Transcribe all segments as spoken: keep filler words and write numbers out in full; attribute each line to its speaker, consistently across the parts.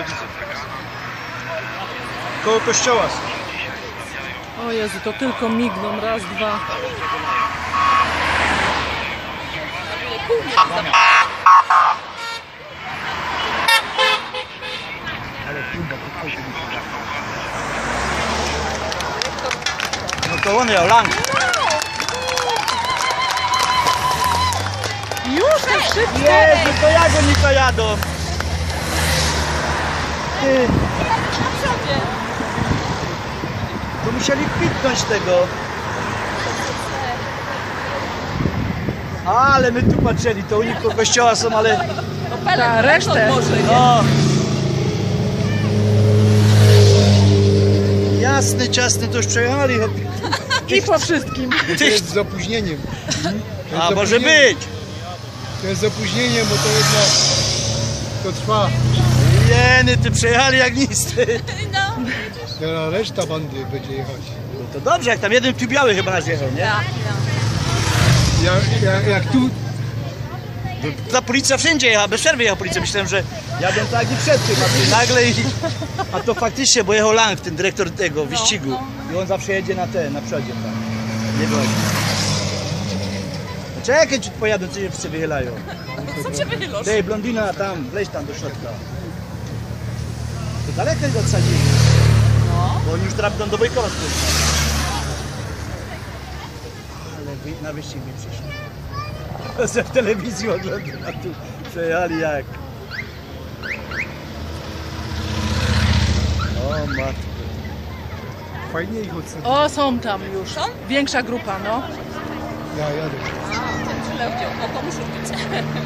Speaker 1: Koło kościoła.
Speaker 2: O Jezu, to tylko migną. Raz, dwa.
Speaker 1: No to on miał lang.
Speaker 2: Już te wszystkie!
Speaker 1: Jezu, to jak oni to jadą? Ty. To musieli kwitnąć tego. Ale my tu patrzyli, to u nich po kościoła są, ale...
Speaker 2: Ta resztę.
Speaker 1: No. Jasny, ciasny, to już przejechali.
Speaker 2: I po wszystkim.
Speaker 3: To jest z opóźnieniem. To jest
Speaker 1: A
Speaker 3: z
Speaker 1: może
Speaker 3: opóźnieniem.
Speaker 1: być.
Speaker 3: To jest z opóźnieniem, bo to jednak to trwa.
Speaker 1: Jeny, ty przejechali jak nic. Ty.
Speaker 3: Teraz reszta bandy będzie jechać.
Speaker 1: No to dobrze, jak tam jeden tu biały chyba nas jechał, nie?
Speaker 3: Jak, jak, jak tu,
Speaker 1: Ta policja wszędzie jechała, bez przerwy jechała policja. Myślałem, że jadą tak i przed tym, a ty nagle i... A to faktycznie, bo jechał Lang, ten dyrektor tego wyścigu. I on zawsze jedzie na te, na przodzie tam. Nie wychodzi. No czekaj, ci pojadą, co się wszyscy wychylają.
Speaker 4: Co cię wychylasz?
Speaker 1: Tej blondyna tam, wleź tam do środka. To daleko go odsadzili.
Speaker 4: No.
Speaker 1: Bo oni już drapną do Bojkowa spójrz. Ale wy, na wyścig nie przyszli. Ze w telewizji oglądam, a tu przejechali jak. O matko.
Speaker 3: fajnie ich ocenić.
Speaker 2: O, są tam już. Większa grupa, no.
Speaker 3: Ja jadę.
Speaker 4: Tyle wziął, no to muszę być.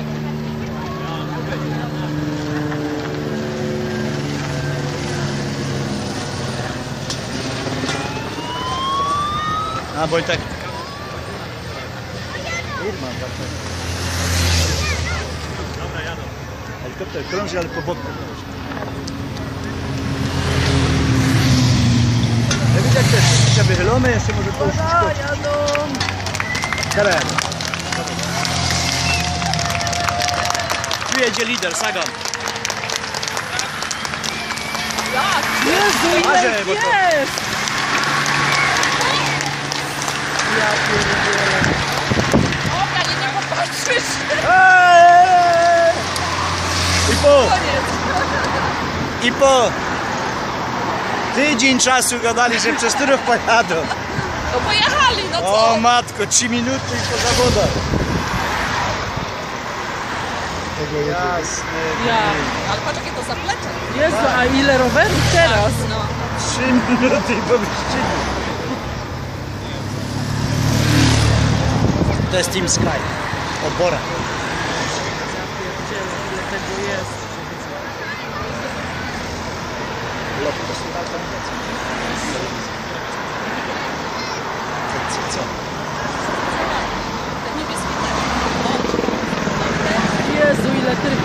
Speaker 1: A bo i tak. Irma, tak. Dobra, jadą. Helikopter krąży, ale po boku. Ja widzę, jak te wszystkie wychylone, jeszcze może to już szkodzi.
Speaker 2: jadą.
Speaker 1: Teren. Tu jedzie lider, Sagan.
Speaker 2: Jezu, ile
Speaker 1: Marzę, bo to-
Speaker 2: jest! Ja pierdolę.
Speaker 4: Dobra, nie, nie popatrzysz.
Speaker 1: Eee! I po,
Speaker 4: Koniec.
Speaker 1: i po tydzień czasu gadali, że przez Turów pojadą.
Speaker 4: No pojechali, no co?
Speaker 1: O matko, trzy minuty i po zawodach.
Speaker 3: Tego jedzie.
Speaker 1: Jasne.
Speaker 2: Ja.
Speaker 4: Ale patrz jakie to zaplecze.
Speaker 2: Jezu, a ile rowerów teraz?
Speaker 4: No.
Speaker 1: Trzy minuty i po wyścigu. To jest Team Sky. Obora.
Speaker 2: Ja pierdzielę, ile tego jest.
Speaker 1: Lot, to są alternacje. Co? Co?
Speaker 4: Te niebieskie
Speaker 2: Jezu, ile tych...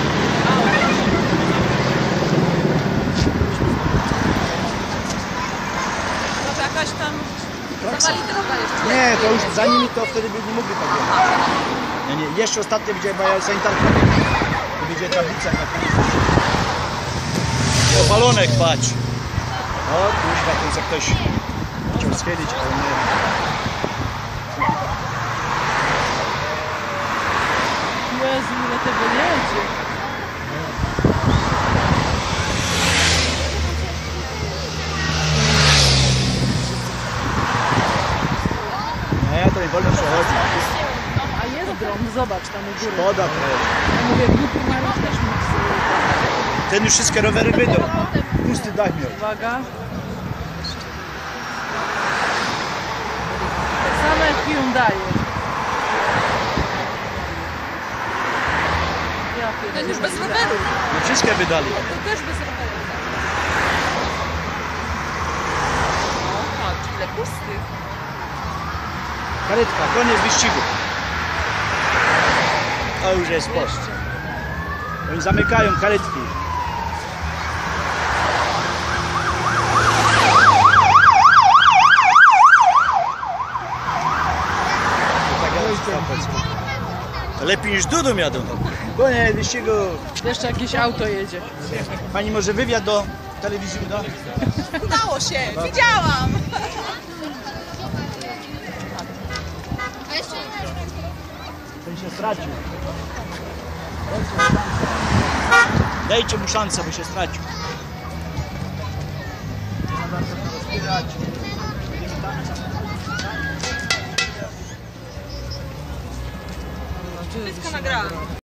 Speaker 4: Może jakaś tam zawali droga jeszcze.
Speaker 1: Nie, to już za nimi to wtedy by nie mogli tak jechać. Nie, nie, jeszcze ostatnio będzie moja sanitarka. To będzie tablica na koniec. O, balonek, patrz. O, kuźwa, to jest jak ktoś chciał schylić, ale nie.
Speaker 2: Jezu, ile tego jedzie.
Speaker 1: Nie, to nie wolno przechodzić.
Speaker 2: A jest dron, zobacz tam u góry.
Speaker 1: Szkoda trochę.
Speaker 2: Ja mówię, głupi mają też miksy.
Speaker 1: Ten już wszystkie rowery wydą. Pusty dach miał.
Speaker 2: Uwaga. Tak samo jak Hyundai. Ja
Speaker 4: Ten już
Speaker 2: pierdolę.
Speaker 4: bez roweru.
Speaker 1: No wszystkie wydali.
Speaker 4: To też bez roweru. No patrz, ile pustych.
Speaker 1: Karetka, koniec wyścigu. To już jest post. Oni zamykają karetki. To tak jest. Lepiej niż Dudum jadą. Koniec wyścigu.
Speaker 2: Jeszcze jakieś auto jedzie.
Speaker 1: Pani może wywiad do telewizji uda?
Speaker 4: Udało się, widziałam.
Speaker 1: Ten się stracił. Dajcie mu szansę, bo się stracił.
Speaker 2: No,
Speaker 4: Wszystko nagrałam.